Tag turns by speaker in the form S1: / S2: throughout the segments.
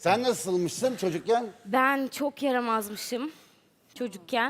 S1: Sen nasılmışsın çocukken?
S2: Ben çok yaramazmışım çocukken.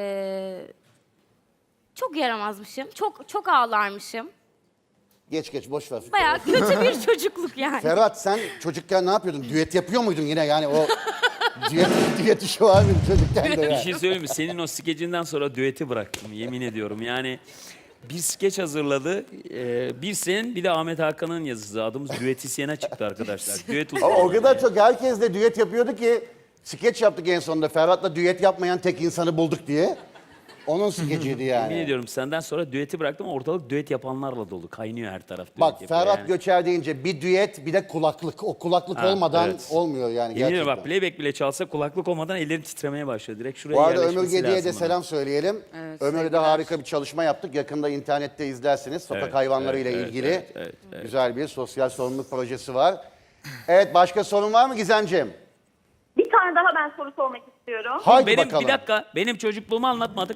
S2: Çok yaramazmışım. Çok ağlarmışım.
S1: Geç boş ver.
S2: Bayağı kötü bir çocukluk yani.
S1: Ferhat sen çocukken ne yapıyordun? Düet yapıyor muydun yine yani o düet işi var mıydı çocukken de
S3: Bir
S1: ya?
S3: şey söyleyeyim mi? Senin o skecinden sonra düeti bıraktım yemin ediyorum. Yani bir skeç hazırladı. Bir senin bir de Ahmet Hakan'ın yazısı. Adımız düetisyene çıktı arkadaşlar. Düet
S1: Ama o kadar çok herkes de düet yapıyordu ki skeç yaptık en sonunda. Ferhat'la düet yapmayan tek insanı bulduk diye. Onun skeciydi
S3: Yemin
S1: yani.
S3: ediyorum senden sonra düeti bıraktım. Ortalık düet yapanlarla dolu. Kaynıyor her taraf düet
S1: Bak
S3: yapıyor
S1: Ferhat
S3: yani.
S1: Göçer deyince bir düet bir de kulaklık. O kulaklık
S3: Ha,
S1: olmadan
S3: evet.
S1: olmuyor yani
S3: Yemin
S1: gerçekten.
S3: ediyorum bak playback bile çalsa kulaklık olmadan ellerim titremeye başlıyor. Direkt şuraya
S1: Bu arada
S3: yerleşmesi
S1: Ömür Gedi'ye de
S3: lazım
S1: selam söyleyelim.
S4: Evet,
S1: Ömür'le de
S4: sevgiler.
S1: harika bir çalışma yaptık. Yakında internette izlersiniz. Sokak
S3: Evet,
S1: hayvanlarıyla
S3: evet,
S1: ilgili
S3: evet,
S1: güzel bir sosyal sorumluluk projesi var. Evet başka sorun var mı Gizemciğim?
S5: Bir tane daha ben soru sormak istiyorum.
S1: Haydi
S3: Benim
S1: bakalım.
S3: bir dakika benim çocukluğumu anlatmadık.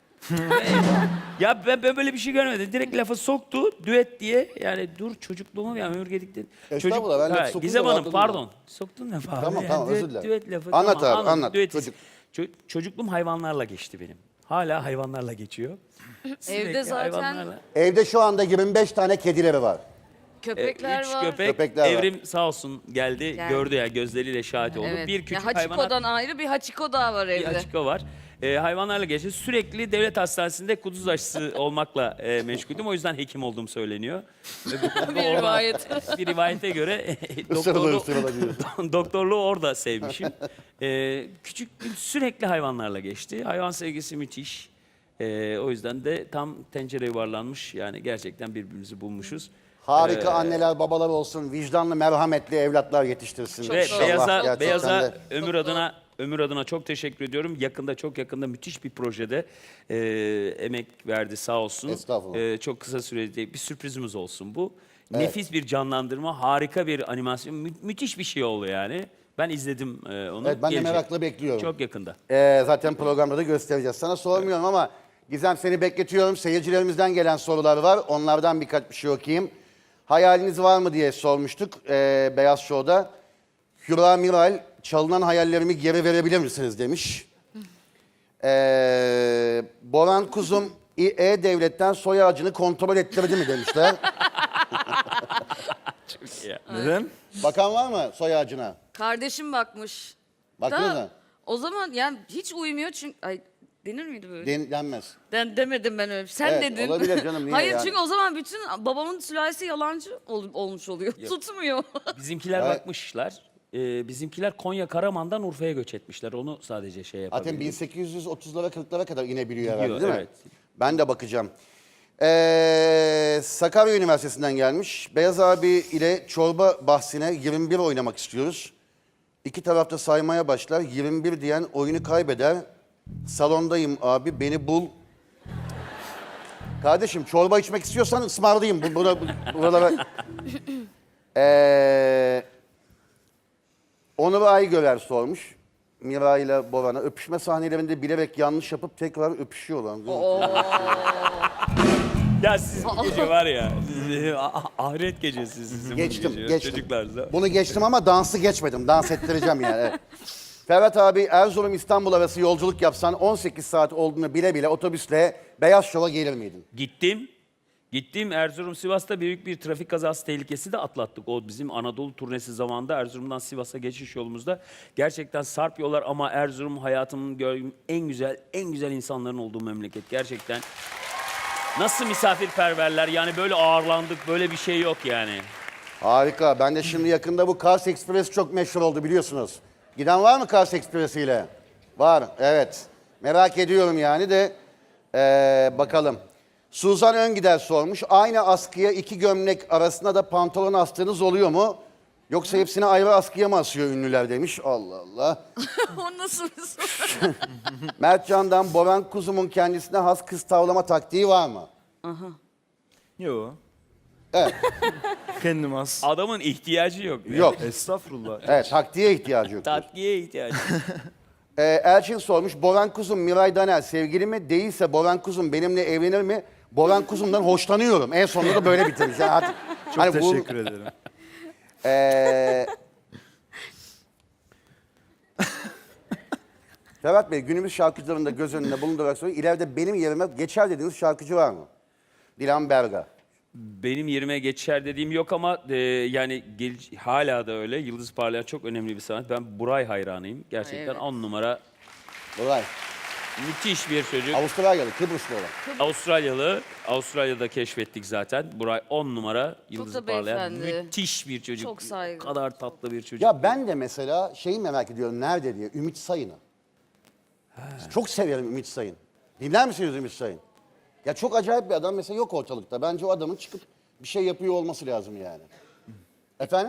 S3: Ya ben böyle bir şey görmedim. Direkt lafı soktu düet diye. Yani dur çocukluğumu ya Ömür Gedik dedi.
S1: Estağfurullah, ben lafı
S3: Ha,
S1: sokunca
S3: Gizem Hanım
S1: rahatladım
S3: pardon. Soktun ne falan.
S1: Tamam,
S3: Yani
S1: tamam,
S3: düet,
S1: özür dilerim.
S3: Düet lafı.
S1: Anlat
S3: tamam,
S1: abi,
S3: anladım.
S1: anlat.
S3: Düet çocukluğum hayvanlarla geçti benim. Hala hayvanlarla geçiyor. Sürekli
S4: Evde zaten
S3: hayvanlarla.
S1: Evde şu anda 25 tane kedileri var.
S4: köpekler
S3: Üç
S4: var.
S1: Köpekler var.
S3: Evrim sağ olsun geldi, gördü ya gözleriyle şahit oldu.
S4: Evet.
S3: Bir küçük
S4: ya Hachiko'dan ayrı bir Hachiko daha var
S3: bir
S4: evde.
S3: açıko var. Hayvanlarla geçti. Sürekli devlet hastanesinde kuduz aşısı olmakla meşguldüm. O yüzden hekim olduğum söyleniyor. Ve bu konuda
S4: Bir
S3: orada-
S4: rivayet.
S3: Bir rivayete göre
S1: Isırılır ısırılır.
S3: doktorluğu orada sevmişim. Küçüklüğüm sürekli hayvanlarla geçti. Hayvan sevgisi müthiş. O yüzden de tam tencere yuvarlanmış. Yani gerçekten birbirimizi bulmuşuz.
S1: Harika anneler babalar olsun. Vicdanlı merhametli evlatlar yetiştirsin.
S3: Ve
S1: İnşallah gerçekten
S3: Beyaz'a
S1: de.
S3: Ömür adına çok teşekkür ediyorum. Çok yakında müthiş bir projede emek verdi sağ olsun.
S1: Estağfurullah.
S3: Çok kısa sürede bir sürprizimiz olsun bu. Nefis bir canlandırma, harika bir animasyon, müthiş bir şey oldu yani. Ben izledim onu.
S1: Evet, ben de
S3: Gelecek.
S1: merakla bekliyorum.
S3: Çok yakında.
S1: Zaten programda da göstereceğiz. Sana sormuyorum ama Gizem seni bekletiyorum. Seyircilerimizden gelen sorular var. Onlardan birkaç bir şey okuyayım. Hayaliniz var mı diye sormuştuk Beyaz Show'da. Hüra Miral, çalınan hayallerimi geri verebilir misiniz demiş. Boran Kuzum, E-Devlet'ten soy ağacını kontrol ettirdi mi demişler.
S6: Neden?
S1: Bakan var mı soy ağacına?
S4: Kardeşim bakmış.
S1: Bakıyor
S4: Da
S1: da
S4: o zaman yani hiç uymuyor çünkü ay denir miydi böyle?
S1: denmez.
S4: Demedim ben öyle. Sen
S1: Evet,
S4: dedin.
S1: olabilir canım, niye
S4: Hayır
S1: yani?
S4: çünkü o zaman bütün babamın sülalesi yalancı olmuş oluyor. Tutmuyor.
S3: Bizimkiler
S1: Evet.
S3: bakmışlar. Bizimkiler Konya Karaman'dan Urfa'ya göç etmişler. Onu sadece şey
S1: Zaten
S3: yapabildim.
S1: 1830'lara 40'lara kadar inebiliyor herhalde
S3: Gidiyor,
S1: değil mi?
S3: evet.
S1: Ben de bakacağım. Sakarya Üniversitesi'nden gelmiş. Beyaz abi ile çorba bahsine 21 oynamak istiyoruz. İki tarafta saymaya başlar. 21 diyen oyunu kaybeder. Salondayım abi beni bul. Kardeşim çorba içmek istiyorsan ısmarlayayım. Buralara... Onur Aygöler sormuş. Mira ile Boran'a öpüşme sahnelerinde bilerek yanlış yapıp tekrar öpüşüyorlar.
S3: Ya siz bu gece var ya, ahiret gecesi sizin bu
S1: Geçtim,
S3: gece.
S1: geçtim.
S3: Çocuklar da.
S1: Bunu geçtim ama dansı geçmedim. Dans ettireceğim yani. Evet. Ferhat abi Erzurum İstanbul arası yolculuk yapsan 18 saat olduğunu bile bile otobüsle Beyaz Şov'a gelir miydin?
S3: Gittim Erzurum Sivas'ta büyük bir trafik kazası tehlikesi de atlattık. O bizim Anadolu turnesi zamanında Erzurum'dan Sivas'a geçiş yolumuzda. Gerçekten sarp yollar ama Erzurum hayatımın gördüğüm en güzel insanların olduğu memleket. Gerçekten. Nasıl misafirperverler yani böyle ağırlandık böyle bir şey yok yani.
S1: Harika. Ben de şimdi yakında bu Kars Express çok meşhur oldu biliyorsunuz. Giden var mı Kars Express ile? Var, evet. Merak ediyorum yani de bakalım. Suzan Öngider sormuş. Aynı askıya iki gömlek arasında da pantolon astığınız oluyor mu? Yoksa hepsini ayrı askıya mı asıyor ünlüler demiş. Allah Allah.
S4: O nasıl bir soru?
S1: Mert Can'dan Boran Kuzum'un kendisine has kız tavlama taktiği var mı?
S6: Yok.
S1: Evet.
S6: Kendim az.
S3: Adamın ihtiyacı yok. Yani.
S1: Yok.
S6: Estağfurullah.
S1: Evet, taktiğe ihtiyacı yok.
S3: Tatlıya ihtiyacı.
S1: Elçin sormuş. Boran Kuzum Miray Daner sevgili mi? Değilse Boran Kuzum benimle evlenir mi? Boran Kuzum'dan hoşlanıyorum. En sonunda da böyle bitirmiş. Yani artık,
S6: Çok
S1: hani bu-
S6: teşekkür ederim.
S1: Ferhat Bey, günümüz şarkıcılarında göz önünde bulundurarak soruyor. İleride benim yerime geçer dediğiniz şarkıcı var mı? Dilan Berga.
S3: Benim yerime geçer dediğim yok ama yani hala da öyle. Yıldız Parlayan çok önemli bir sanat. Ben Buray hayranıyım. Gerçekten
S4: Evet.
S3: 10 numara
S1: Olay.
S3: müthiş bir çocuk.
S1: Avustralyalı, Kıbrıslı olan.
S3: Avustralyalı. Avustralya'da keşfettik zaten. Buray 10 numara. Yıldız
S4: da
S3: Parlayan.
S4: beyefendi.
S3: Müthiş bir çocuk.
S4: Çok saygı.
S3: O kadar tatlı bir çocuk.
S1: Ya ben de mesela şeyi merak ediyorum nerede diye. Ümit Sayın'ı. Çok severim Ümit Sayın. Dinler misiniz Ümit Sayın? Ya çok acayip bir adam mesela yok ortalıkta. Bence o adamın çıkıp bir şey yapıyor olması lazım yani. Efendim?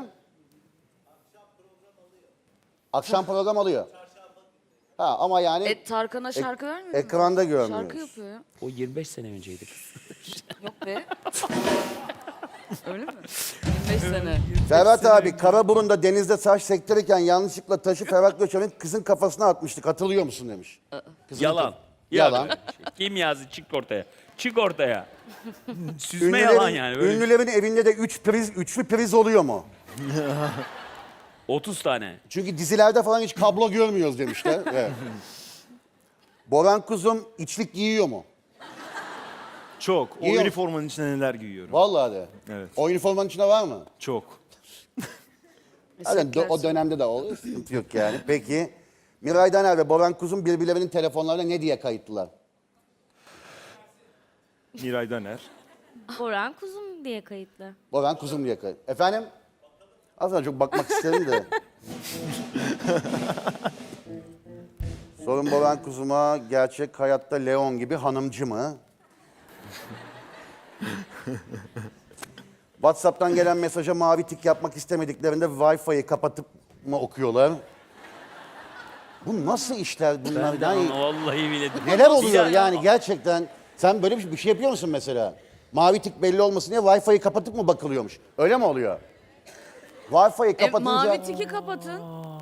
S1: Akşam program alıyor. Ha ama yani
S4: Tarkan'a şarkı vermiyor mu?
S1: ekranda görmüyoruz.
S4: Şarkı yapıyor ya.
S3: O 25 sene önceydi.
S4: Yok be. Öyle mi? 25 sene.
S1: Ferhat abi Karaburun'da denizde taş sektirirken yanlışlıkla taşı Ferhat Göçer'in kızın kafasına atmıştık. Hatırlıyor musun demiş. Kızın
S3: Yalan.
S1: Yalan.
S3: Kim yazdı? Çık ortaya. Çık ortaya. Süzme yalan yani. Böyle
S1: Ünlülerin evinde de üçlü priz oluyor mu?
S3: 30 tane.
S1: Çünkü dizilerde falan hiç kablo görmüyoruz demişler. Evet. Boran Kuzum içlik giyiyor mu?
S6: Çok. O
S1: Giyiyor.
S6: üniformanın içine neler giyiyorum.
S1: Vallahi de.
S6: Evet.
S1: O üniformanın içinde var mı?
S6: Çok.
S1: Zaten o dönemde de oluyor. Sıkıntı yok yani. Peki. Miray Daner ve Boran Kuzum birbirlerinin telefonlarına ne diye kayıtlılar?
S6: Miray Daner.
S2: Boran Kuzum diye kayıtlı.
S1: Boran Kuzum diye kayıt. Efendim? Aslında çok bakmak isterim de. Sorun Boran Kuzum'a gerçek hayatta Leon gibi hanımcı mı? WhatsApp'tan gelen mesaja mavi tik yapmak istemediklerinde Wi-Fi'yi kapatıp mı okuyorlar? Bu nasıl işler bunlar?
S3: Ben de
S1: Yani
S3: vallahi bile.
S1: neler oluyor yani gerçekten? Sen böyle bir şey yapıyor musun mesela? Mavi tik belli olmasın diye Wi-Fi'yi kapatıp mı bakılıyormuş? Öyle mi oluyor? Wi-Fi'yi kapatınca...
S4: Mavi tiki kapatın.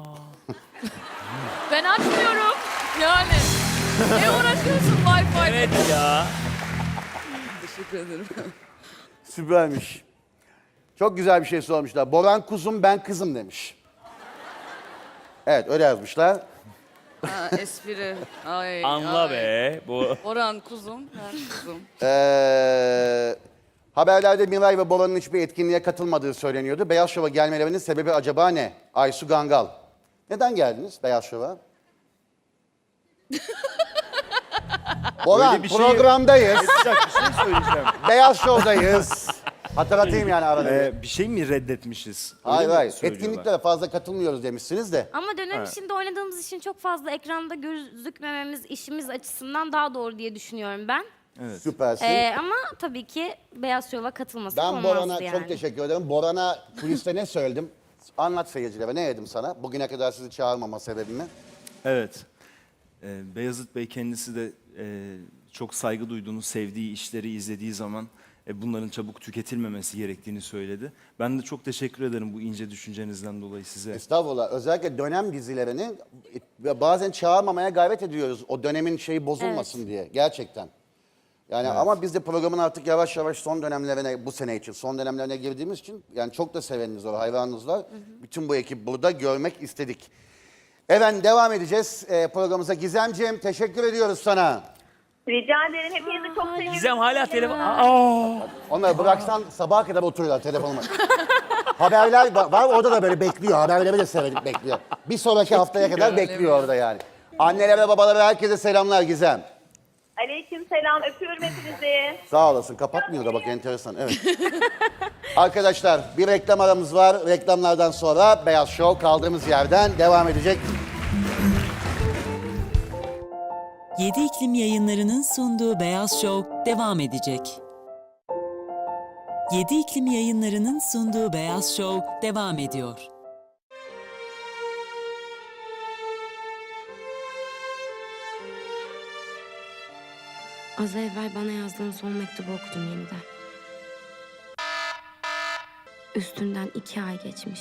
S4: Ben açmıyorum. Yani. Ne uğraşıyorsun Wi-Fi?
S3: Evet ya.
S4: Teşekkür ederim.
S1: Süpermiş. Çok güzel bir şey sormuşlar. Boran Kuzum ben kızım demiş. Evet öyle yazmışlar.
S4: Ha, espri. Ay,
S3: Anla
S4: ay.
S3: be. Bu
S4: Orhan kuzum, ben kuzum.
S1: Haberlerde Miray ve Boran'ın hiçbir etkinliğe katılmadığı söyleniyordu. Beyaz Şov'a gelmelerinin sebebi acaba ne? Aysu Gangal. Neden geldiniz Beyaz Şov'a? Boran
S6: Öyle bir şey-
S1: programdayız.
S6: Sıcak bir şey söyleyeceğim.
S1: Beyaz Show'dayız. Hatırlatayım yani arada.
S6: Bir şey mi reddetmişiz? Öyle
S1: Hayır
S6: mi
S1: hayır.
S6: söylüyorlar?
S1: Etkinliklere fazla katılmıyoruz demişsiniz de.
S2: Ama dönem içinde oynadığımız için çok fazla ekranda gözükmememiz işimiz açısından daha doğru diye düşünüyorum ben.
S1: Süpersin.
S2: Ama tabii ki Beyaz Şov'a katılması
S1: Ben
S2: olmazdı
S1: Boran'a
S2: yani.
S1: çok teşekkür ederim. Boran'a kuliste ne söyledim? Anlat seyircilere. Ne dedim sana? Bugüne kadar sizi çağırmama sebebimi.
S6: Evet. Beyazıt Bey kendisi de çok saygı duyduğunu, sevdiği işleri izlediği zaman bunların çabuk tüketilmemesi gerektiğini söyledi. Ben de çok teşekkür ederim bu ince düşüncenizden dolayı size.
S1: Estağfurullah. Özellikle dönem dizilerini bazen çağırmamaya gayret ediyoruz. O dönemin şeyi bozulmasın diye. Gerçekten. Yani ama biz de programın artık yavaş yavaş son dönemlerine, bu sene için son dönemlerine girdiğimiz için yani çok da seveniniz var, hayranınız var. Bütün bu ekip burada görmek istedik. Evet devam edeceğiz programımıza. Gizemciğim teşekkür ediyoruz sana.
S5: Rica ederim. Hepinizi çok seviyorum.
S3: Gizem hala telefon.
S1: Onları bıraksan sabaha kadar oturuyorlar telefonuma. Haberler var orada da böyle bekliyor. Haberleri de seyredip bekliyor. Bir sonraki haftaya kadar bekliyor orada yani. Annelere, babalara, herkese selamlar Gizem.
S5: Aleyküm selam. Öpüyorum hepinizi.
S1: Sağ olasın. Kapatmıyor da bak enteresan. Evet. Arkadaşlar bir reklam aramız var. Reklamlardan sonra Beyaz Show kaldığımız yerden devam edecek.
S7: 7 İklim Yayınları'nın sunduğu Beyaz Show devam edecek. 7 İklim Yayınları'nın sunduğu Beyaz Show devam ediyor.
S2: Az evvel bana yazdığın son mektubu okudum yeniden. Üstünden 2 ay geçmiş.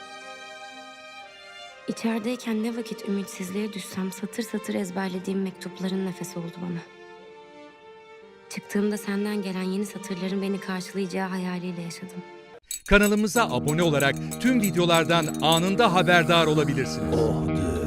S2: İçerideyken ne vakit ümitsizliğe düşsem satır satır ezberlediğim mektupların nefesi oldu bana. Çıktığımda senden gelen yeni satırların beni karşılayacağı hayaliyle yaşadım.
S8: Kanalımıza abone olarak tüm videolardan anında haberdar olabilirsiniz.